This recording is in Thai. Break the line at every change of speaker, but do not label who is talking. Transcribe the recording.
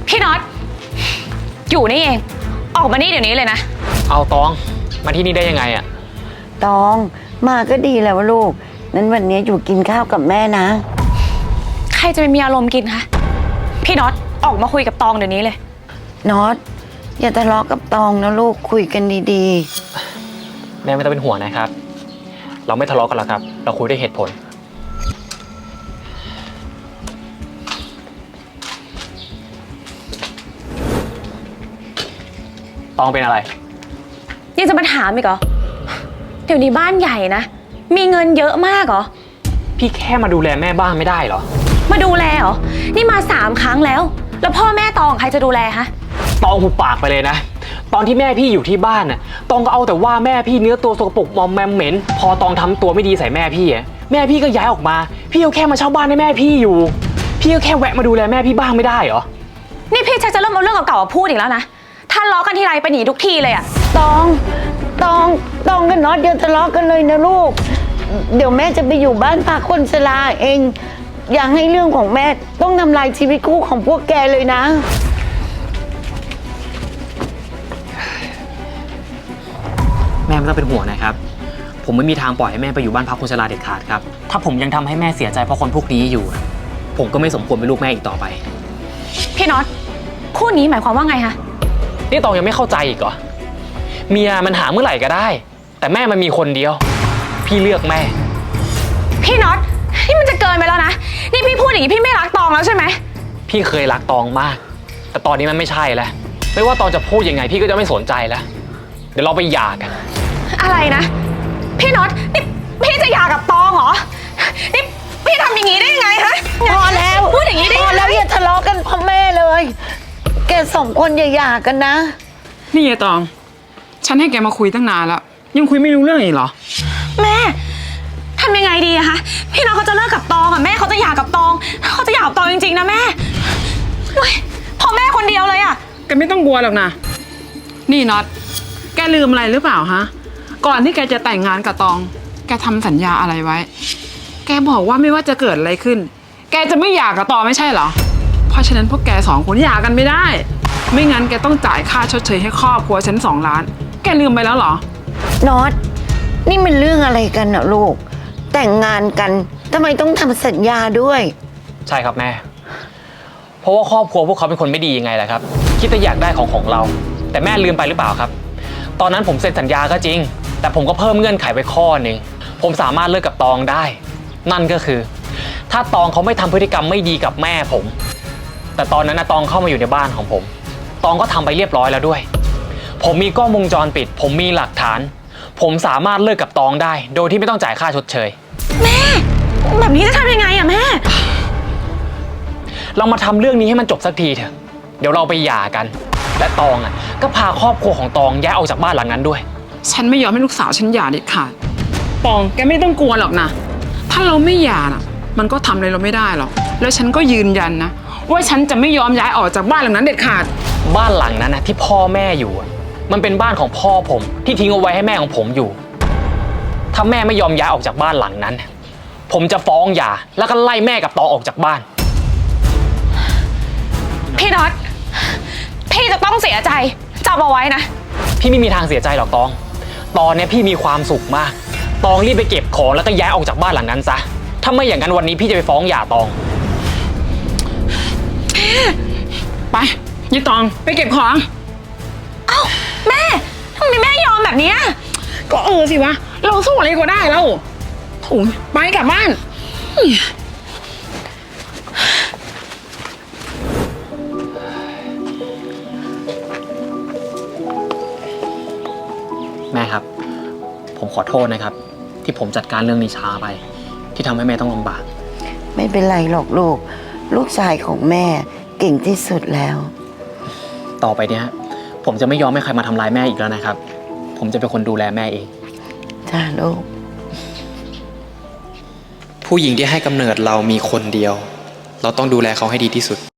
พี่น็อตอยู่นี่เองออกมานี่เดี๋ยวนี้เลยนะ
เอาตองมาที่นี่ได้ยังไงอะ
ตองมาก็ดีแล้วลูกนั้นวันนี้อยู่กินข้าวกับแม่นะ
ใครจะไปมีอารมณ์กินคะพี่น็อตออกมาคุยกับตองเดี๋ยวนี้เลย
น็อตอย่าทะเลาะกับตองนะลูกคุยกันดี
ๆแม่ไม่ต้องเป็นห่วงนะครับเราไม่ทะเลาะกันหรอกครับเราคุยด้วยเหตุผลตองเป็นอะไร
ยังจะมาถามอีกเหรอเดี๋ยวนี้บ้านใหญ่นะมีเงินเยอะมากเหรอ
พี่แค่มาดูแลแม่บ้านไม่ได้เหรอ
มาดูแลเหรอนี่มา3 ครั้งแล้วพ่อแม่ตองใครจะดูแลฮะ
ตองหุบปากไปเลยนะตอนที่แม่พี่อยู่ที่บ้านน่ะตองก็เอาแต่ว่าแม่พี่เนื้อตัวสกปรกมอมแมมเหม็นพอตองทำตัวไม่ดีใส่แม่พี่แม่พี่ก็ย้ายออกมาพี่ก็แค่มาเช่าบ้านให้แม่พี่อยู่พี่ก็แค่แวะมาดูแลแม่พี่บ้างไม่ได้เหรอ
นี่พี่ชักจะเริ่มเอาเรื่องเก่าๆมาพูดอีกแล้วนะถ้าล้อกันทีไรไปหนีทุกทีเลยอะ
ตองกับน็อตเดี๋ยวทะเลาะกันเลยนะลูกเดี๋ยวแม่จะไปอยู่บ้านพักคนชราเองอย่าให้เรื่องของแม่ต้องทำลายชีวิตคู่ของพวกแกเลยนะ
แม่ไม่ต้องเป็นห่วงนะครับผมไม่มีทางปล่อยให้แม่ไปอยู่บ้านพักคนชราเด็ดขาดครับถ้าผมยังทำให้แม่เสียใจเพราะคนพวกนี้อยู่ผมก็ไม่สมควรเป็นลูกแม่อีกต่อไป
พี่น็อตคู่นี้หมายความว่าไงคะ
นี่ตองยังไม่เข้าใจอีกเหรอเมียมันหาเมื่อไหร่ก็ได้แต่แม่มันมีคนเดียวพี่เลือกแม่
พี่น็อตนี่มันจะเกินไปแล้วนะนี่พี่พูดอย่างนี้พี่ไม่รักตองแล้วใช่ไหม
พี่เคยรักตองมากแต่ตอนนี้มันไม่ใช่แล้วไม่ว่าตองจะพูดยังไงพี่ก็จะไม่สนใจแล้วเดี๋ยวเราไปหย่ากัน
อะไรนะพี่น็อตนี่พี่จะหย่ากับตองเหรอนี่พี่ทำอย่างนี้ได้ยังไงฮะ
พอแล้ว
พูดอย่างนี้ได้
พอแล้วอย่าทะเลาะกันพ่อแม่เลยแก2 คนอย่าหย่ากันนะ
นี่ไอ้ตองฉันให้แกมาคุยตั้งนานแล้วยังคุยไม่รู้เรื่องอีกเหรอ
แม่ทำยังไงดีอะคะพี่น้องเขาจะเลิกกับตองอะแม่เขาจะหย่ากับตองเขาจะหย่ากับตองจริงๆนะแม่พอแม่คนเดียวเลยอะ
แกไม่ต้องกลัวหรอกนะนี่น็อตแกลืมอะไรหรือเปล่าฮะก่อนที่แกจะแต่งงานกับตองแกทำสัญญาอะไรไว้แกบอกว่าไม่ว่าจะเกิดอะไรขึ้นแกจะไม่หย่ากับตองไม่ใช่เหรอเพราะฉะนั้นพวกแก2 คนหย่ากันไม่ได้ไม่งั้นแกต้องจ่ายค่าชดเชยให้ครอบครัวฉัน2 ล้านแกลืมไปแล้วเหรอ
น็อตนี่มันเรื่องอะไรกันนะลูกแต่งงานกันทำไมต้องทำสัญญาด้วย
ใช่ครับแม่เพราะว่าครอบครัวพวกเขาเป็นคนไม่ดียังไงแหละครับคิดแต่อยากได้ของเราแต่แม่ลืมไปหรือเปล่าครับตอนนั้นผมเซ็นสัญญาก็จริงแต่ผมก็เพิ่มเงื่อนไขไปข้อหนึ่งผมสามารถเลิกกับตองได้นั่นก็คือถ้าตองเขาไม่ทำพฤติกรรมไม่ดีกับแม่ผมแต่ตอนนั้นตองเข้ามาอยู่ในบ้านของผมตองก็ทำไปเรียบร้อยแล้วด้วยผมมีกล้องวงจรปิดผมมีหลักฐานผมสามารถเลิกกับตองได้โดยที่ไม่ต้องจ่ายค่าชดเชย
แม่แบบนี้จะทำยังไงอะแม่
เรามาทำเรื่องนี้ให้มันจบสักทีเถอะเดี๋ยวเราไปหย่ากันและตองก็พาครอบครัวของตองย้ายออกจากบ้านหลังนั้นด้วย
ฉันไม่ยอมให้ลูกสาวฉันหย่าเด็ดขาดตองแกไม่ต้องกลัวหรอกนะถ้าเราไม่หย่าน่ะมันก็ทำอะไรเราไม่ได้หรอกแล้วฉันก็ยืนยันนะว่าฉันจะไม่ยอมย้ายออกจากบ้านหลังนั้นเด็ดขาด
บ้านหลังนั้นที่พ่อแม่อยู่มันเป็นบ้านของพ่อผมที่ทิ้งเอาไว้ให้แม่ของผมอยู่ถ้าแม่ไม่ยอมย้ายออกจากบ้านหลังนั้นผมจะฟ้องหย่าแล้วก็ไล่แม่กับตองออกจากบ้าน
พี่น็อตพี่จะต้องเสียใจจำเอาไว้นะ
พี่ไม่มีทางเสียใจหรอกตองตอนนี้พี่มีความสุขมากตองรีบไปเก็บของแล้วก็ย้ายออกจากบ้านหลังนั้นซะถ้าไม่อย่างนั้นวันนี้พี่จะไปฟ้องหย่าตอง
ไปยี่ตองไปเก็บของ
เอ้าแม่ทำไมแม่ยอมแบบนี้
ก็สิวะเราสู้อะไรก็ได้แล้วถุงไปกลับบ้าน
แม่ครับผมขอโทษนะครับที่ผมจัดการเรื่องนี้ช้าไปที่ทำให้แม่ต้องลำบาก
ไม่เป็นไรหรอกลูกชายของแม่เก่งที่สุดแล้ว
ต่อไปเนี้ยผมจะไม่ยอมให้ใครมาทำร้ายแม่อีกแล้วนะครับผมจะเป็นคนดูแลแม่เอง
จ้าลูก
ผู้หญิงที่ให้กำเนิดเรามีคนเดียวเราต้องดูแลเขาให้ดีที่สุด